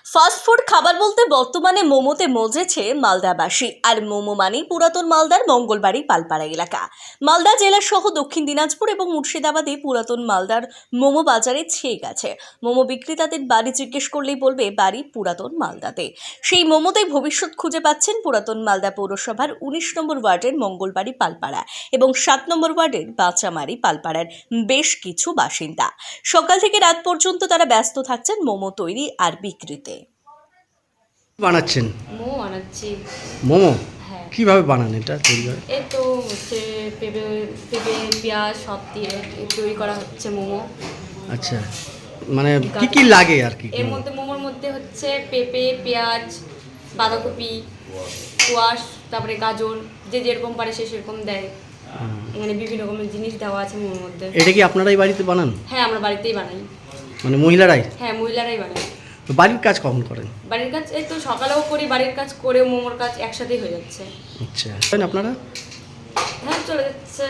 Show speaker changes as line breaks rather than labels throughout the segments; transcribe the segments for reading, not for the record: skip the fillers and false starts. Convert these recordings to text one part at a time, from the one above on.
Fast food খাবার বলতে বর্তমানে মোমোতে মজেছে মালদাবাসী। আর মোমো মানেই পুরাতন মালদার মঙ্গলবাড়ি পালপাড়া এলাকা। মালদা জেলা সহ দক্ষিণ দিনাজপুর এবং মুর্শিদাবাদে পুরাতন মালদার মোমো বাজারে ছেয়ে গেছে। মোমো বিক্রেতাদের বাড়ি জিজ্ঞেস করলেই বলবে বাড়ি পুরাতন মালদাতে। সেই মোমোতেই ভবিষ্যৎ খুঁজে পাচ্ছেন পুরাতন মালদা পৌরসভার 19 নম্বর ওয়ার্ডের মঙ্গলবাড়ি পালপাড়া এবং 7 নম্বর ওয়ার্ডের বাঁচামারি পালপাড়ার বেশ কিছু বাসিন্দা। সকাল থেকে রাত পর্যন্ত তারা ব্যস্ত থাকছেন মোমো তৈরি আর বিক্রিতে।
বানাচ্ছেন?
মোমো বানাচ্ছি।
মোমো
হ্যাঁ।
কিভাবে বানান এটা তৈরি করে?
এই তো হচ্ছে পেঁপে পেঁয়াজ সব দিয়ে তৈরি করা হচ্ছে মোমো।
আচ্ছা, মানে কি কি লাগে আর কি?
এর মধ্যে মোমোর মধ্যে হচ্ছে পেঁপে, পেঁয়াজ, বাঁধাকপি, কোয়াশ, তারপরে গাজর, যে যেরকম পারে সে সেরকম দেয়। মানে বিভিন্ন রকমের জিনিস দেওয়া আছে মোমোর মধ্যে।
এটা কি আপনারাই বাড়িতে বানান?
হ্যাঁ, আমরা বাড়িতেই বানাই।
মানে মহিলারাই?
হ্যাঁ, মহিলারাই বানাই।
তো বাড়ির কাজ কখন করেন?
বাড়ির কাজ এই তো সকালেও করি, বাড়ির কাজ করেও মোমোর কাজ একসাথেই হয়ে যাচ্ছে।
আচ্ছা, আপনারা?
হ্যাঁ, চলে যাচ্ছে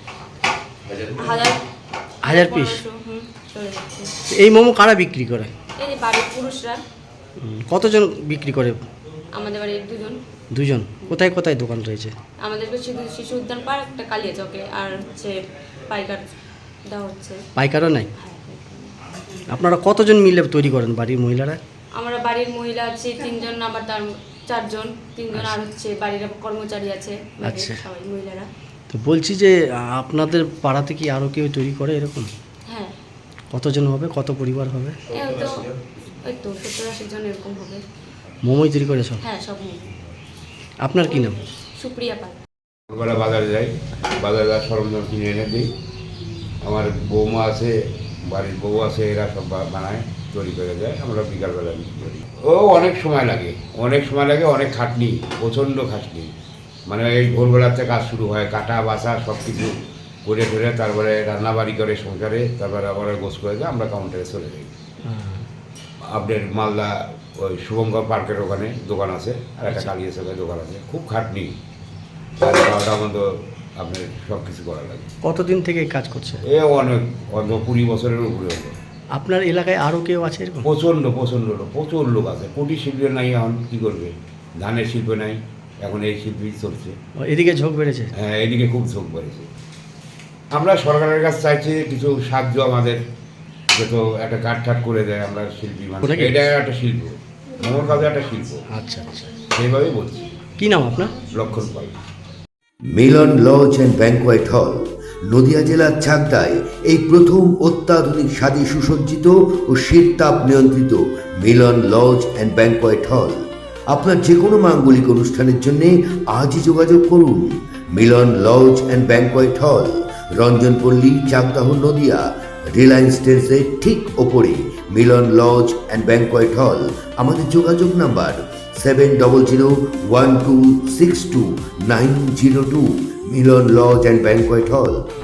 হাজার
1000 পিস?
চলে যাচ্ছে।
এই মোমো কারা বিক্রি করে?
এই যে বাড়ির পুরুষরা।
কতজন বিক্রি করে?
আমাদের বাড়ির দুজন।
দুজন? কোথায় কোথায় দোকান রয়েছে?
আমাদের শিশু উদ্যান পার্ক, একটা কালিয়া চকে, আর হচ্ছে পাইকার দেওয়া হচ্ছে।
পাইকারও নাই?
হ্যাঁ,
আপনারা কতজন মিলে তৈরি করেন বাড়ির মহিলারা?
আমরা বাড়ির মহিলা আছে 3 জন, আবার তার 4 জন, 3 জন, আর হচ্ছে বাড়ির কর্মচারী আছে।
আচ্ছা।
সবাই মহিলারা।
তো বলছি যে আপনাদের পাড়াতে কি আরও কেউ তৈরি করে এরকম?
হ্যাঁ।
কতজন হবে, কত পরিবার হবে?
ওই তো 70-80 জন এরকম হবে।
মোমোই তৈরি করে সব?
হ্যাঁ, সব মোমো।
আপনার কি নাম?
সুপ্রিয়া পাল।
সকালবেলা বাজারে যাই, বাজারে সরঞ্জাম কিনে এনে দিই। আমার বৌমা আছে, বাড়ির বউ আছে, এরা সব বানায়, তৈরি করে দেয়, আমরা বিকালবেলা বিক্রি করি। ও অনেক সময় লাগে, অনেক খাটনি, প্রচণ্ড খাটনি। মানে এই ভোরবেলাতে কাজ শুরু হয়, কাটা বাছা সব কিছু করে ফেলে, তারপরে রান্নাবাড়ি করে সংসারে, তারপরে আবার গোছ করে দেয়, আমরা কাউন্টারে চলে যাই। আপনার মালদা ওই শুভঙ্কর পার্কের ওখানে দোকান আছে, আর একটা কালিয়া চকের দোকান আছে। খুব খাটনি, 12টা মতো আপনার সব কিছু করা লাগে।
কতদিন থেকে এই কাজ করছে?
অনেক 20 বছরের উপরে হলো।
আপনার এলাকায় আরও কেউ আছে এরকম?
প্রচুর লোক আছে। কুটির শিল্প নাই, এখন কী করবে, ধানের শিল্প নাই, এখন এই শিল্পই চলছে।
এদিকে ঝোঁক বেড়েছে?
হ্যাঁ, এদিকে খুব ঝোঁক বেড়েছে। আমরা সরকারের কাছে চাইছি কিছু সাহায্য, আমাদের যত একটা কাঠ করে দেয়, আমরা শিল্পী মানুষ, এটা একটা শিল্প, মোমোর কাজে একটা শিল্প।
আচ্ছা আচ্ছা,
সেইভাবেই বলছি।
কী নাম আপনার?
Lakshman Pal.
Milan lodge and banquet hall, Nadia জেলার চাকদায় এই প্রথম অত্যাধুনিক স্বাদে সুসজ্জিত ও শীততাপ নিয়ন্ত্রিত মিলন লজ অ্যান্ড ব্যাংকোয়েট হল। আপনার যে কোনো মাঙ্গলিক অনুষ্ঠানের জন্য আজই যোগাযোগ করুন। মিলন লজ অ্যান্ড ব্যাংকোয়েট হল, রঞ্জনপল্লী, চাকদাহ, নদিয়া। রিলায়েন্স ট্রেন্ডসের ঠিক ওপরে মিলন লজ অ্যান্ড ব্যাংকোয়েট হল। আমাদের যোগাযোগ number 7001262902। Milan lodge and banquet হল,